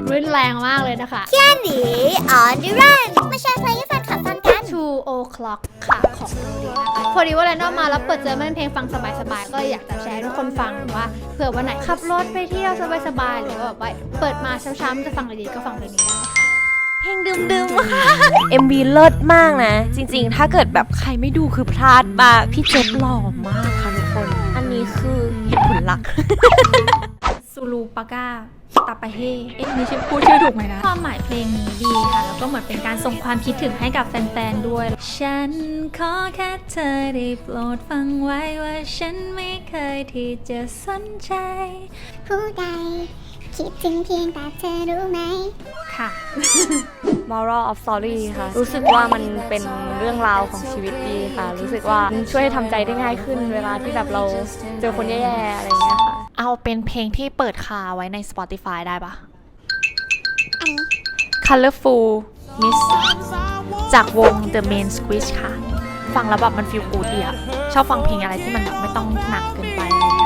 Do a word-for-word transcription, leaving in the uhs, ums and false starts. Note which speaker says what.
Speaker 1: รื่นแรงมากเลยนะคะ
Speaker 2: เที่ยหนี on the run มาแชร์เพลงให้แฟนคลับฟังกัน
Speaker 1: two o'clock ค่ะของโนดีนะคะพอดีว่าแรนดอมมาแล้วเปิดเจอมันเป็นเพลงฟังสบายๆก็อยากจะแชร์ให้ทุกคนฟังว่าเผื่อวันไหนขับรถไปเที่ยวสบายๆหรือว่าแบบว่าเปิดมาเช้าๆจะฟังดีๆก็ฟังเพลงนี้ได้ค่ะ
Speaker 3: เพลงดึมๆค่ะ เอ็ม วี เลิศมากนะจริงๆถ้าเกิดแบบใครไม่ดูคือพลาดมากพี่เจฟหล่อมากค่ะทุกคนอันนี้คือเหตุผลหลัก
Speaker 1: ซูลูปาก้าตาปาเฮเอ๊ะนี่ชื่อพูดชื่อถูกไหมนะความหมายเพลงนี้ดีค่ะแล้วก็เหมือนเป็นการส่งความคิดถึงให้กับแฟนๆด้วยฉันขอแค่เธอได้โปรดฟังไว้ว่าฉันไม่เคยที่จะสนใจ
Speaker 2: ผู้ใดคิดถึงเพียงแต่เธอรู้ไหม
Speaker 1: ค่ะ
Speaker 3: moral of story ค่ะรู้สึกว่ามันเป็นเรื่องราวของชีวิตดีค่ะรู้สึกว่าช่วยให้ทำใจได้ง่ายขึ้นเวลาที่แบบเราเจอคนแย่ๆอะไรอย่างเงี้ยค่ะ
Speaker 4: เอาเป็นเพลงที่เปิดคาไว้ใน Spotify ได้ปะ
Speaker 2: อันนี้
Speaker 4: Colorful Miss จากวง The Main Squeeze ค่ะ ฟังแล้วแบบมันฟีลกูดดีอะชอบฟังเพลงอะไรที่มันแบบไม่ต้องหนักเกินไปอะไรอย่างเงี้ย